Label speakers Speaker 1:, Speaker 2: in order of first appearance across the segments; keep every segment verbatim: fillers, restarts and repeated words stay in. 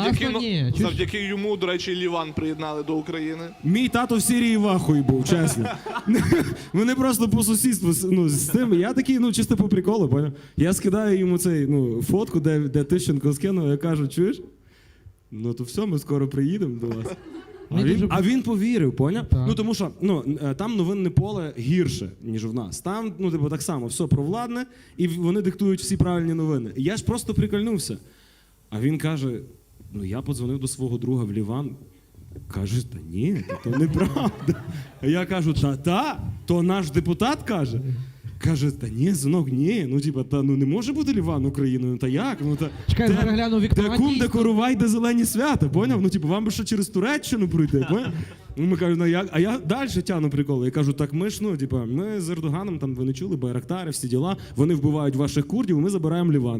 Speaker 1: завдяки,
Speaker 2: Класно,
Speaker 1: ну,
Speaker 2: ні. Чуєш?
Speaker 1: завдяки йому, до речі, Ліван приєднали до України.
Speaker 3: Мій тато в Сирії в ахуї був, чесно. Вони просто по сусідству ну, з тим. Я такий, ну, чисто по приколу, поняв? Я скидаю йому цей, ну, фотку, де, де Тищенко скинув, я кажу, чуєш? Ну то все, ми скоро приїдемо до вас. А
Speaker 2: Мені
Speaker 3: він,
Speaker 2: дуже-
Speaker 3: а він повірив, поняв?
Speaker 2: Так.
Speaker 3: Ну тому що ну, е, там новинне поле гірше, ніж в нас. Там, ну, типу, так само, все провладне, і вони диктують всі правильні новини. І я ж просто прикольнувся. А він каже: ну я подзвонив до свого друга в Ліван. Каже, та ні, то неправда. А я кажу, та-та, то наш депутат каже. Каже, та ні, синок, ні. Ну, типа, та ну не може бути Ліван Україною, ну та як? Ну, та,
Speaker 2: Чекай,
Speaker 3: де-
Speaker 2: перегляну
Speaker 3: де
Speaker 2: Віктора.
Speaker 3: кум, де
Speaker 2: дійсно.
Speaker 3: коровай, де зелені свята, поняв? Ну, типу, вам би ще через Туреччину пройти, поняв? Ну, ми кажемо, ну як? А я далі тяну приколи. Я кажу, так ми ж, ну, типу, ми з Ердоганом, там, ви не чули, Байрактари, всі діла, вони вбивають ваших курдів, ми забираємо Ліван.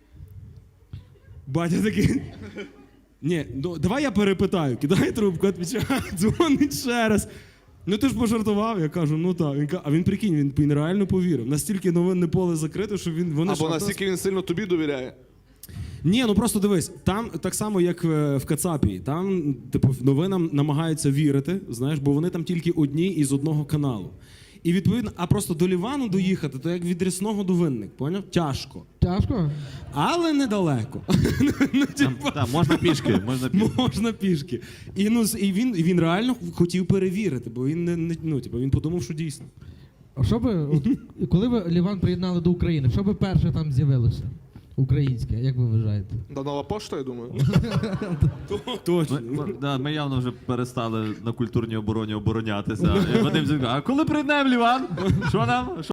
Speaker 3: Батя такий... Ні, ну, давай я перепитаю, кидає трубку, відповідає, дзвонить ще раз. Ну ти ж пожартував, я кажу, ну так. Він, ка- а він прикинь, він, він реально повірив. Настільки новинне поле закрите, що він... Вони
Speaker 1: Або
Speaker 3: ж-
Speaker 1: настільки він сильно тобі довіряє.
Speaker 3: Ні, ну просто дивись, там так само, як е, в Кацапі, там, типу, новинам намагаються вірити, знаєш, бо вони там тільки одні із одного каналу. І відповідно, а просто до Лівану доїхати, то як від Рясного до Винник, поняв? Тяжко.
Speaker 2: Тяжко?
Speaker 3: Але недалеко. Ну, типу,
Speaker 4: Так, можна пішки, можна пішки.
Speaker 3: можна пішки. І, ну, з- і він, він реально хотів перевірити, бо він не, не ну, типу, він подумав, що дійсно.
Speaker 2: А що би, от, коли ви Ліван приєднали до України, що би перше там з'явилося? Українське, як ви вважаєте?
Speaker 1: Да, нова пошта, я думаю.
Speaker 3: Точно.
Speaker 4: Ми, ми- да, ми явно вже перестали на культурній обороні оборонятися. І Вадим зі- а коли приєднаємо Ліван? Що нам?